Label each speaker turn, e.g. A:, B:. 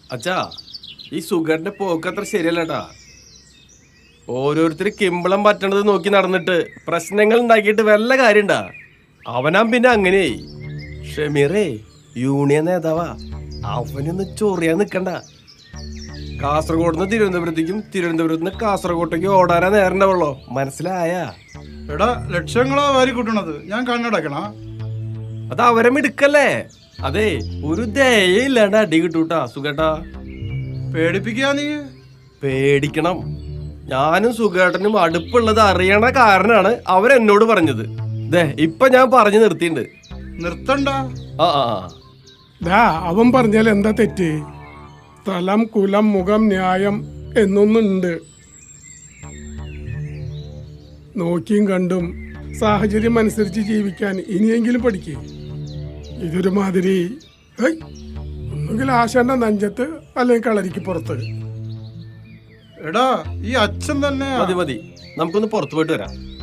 A: അച്ഛാ ഈ സുഖന്റെ പോക്ക് അത്ര ശരിയല്ലട്ടാ. ഓരോരുത്തർ കിമ്പളം പറ്റണത് നോക്കി നടന്നിട്ട് പ്രശ്നങ്ങൾ ഉണ്ടാക്കിയിട്ട് വല്ല കാര്യണ്ടാ. അവനാ പിന്നെ അങ്ങനെ ഷമീറേ യൂണിയൻ നേതാവാ. അവനൊന്ന് ചൊറിയാൻ നിക്കണ്ട. കാസർഗോഡ് നിന്ന് തിരുവനന്തപുരത്തേക്കും തിരുവനന്തപുരത്ത് നിന്ന് കാസർഗോട്ടേക്ക് ഓടാനാ നേരണ്ടാവുള്ളോ. മനസ്സിലായാ?
B: എടാ ലക്ഷങ്ങളാ വാരി കൂട്ടണത്, ഞാൻ കണ്ണടക്കണ.
A: അത് അവരെ മിടുക്കല്ലേ. അതെ ഒരു ദയയില്ലാണ്ട് അടി കിട്ടൂട്ടാ സുഖേട്ടാ.
B: പേടിപ്പിക്കാ നീ?
A: പേടിക്കണം. ഞാനും സുഖേട്ടനും അടുപ്പുള്ളത് അറിയണ കാരനാണ് അവരെന്നോട് പറഞ്ഞത്. ദേ ഇപ്പൊ ഞാൻ പറഞ്ഞു നിർത്തിണ്ട്.
B: നിർത്തണ്ട.
C: അവൻ പറഞ്ഞാൽ എന്താ തെറ്റ്? സ്ഥലം, കുലം, മുഖം, ന്യായം എന്നൊന്നുണ്ട്. നോക്കിയും കണ്ടും സാഹചര്യം അനുസരിച്ച് ജീവിക്കാൻ ഇനിയെങ്കിലും പഠിക്കേ. ഇതൊരു മാതിരി ഒന്നുകിൽ ആശാന്റെ നെഞ്ചത്ത് അല്ലെങ്കിൽ കളരിക്ക് പുറത്ത്.
B: എടാ ഈ അച്ഛൻ തന്നെ
A: മതി മതി, നമുക്കൊന്ന് പുറത്തു പോയിട്ട് വരാം.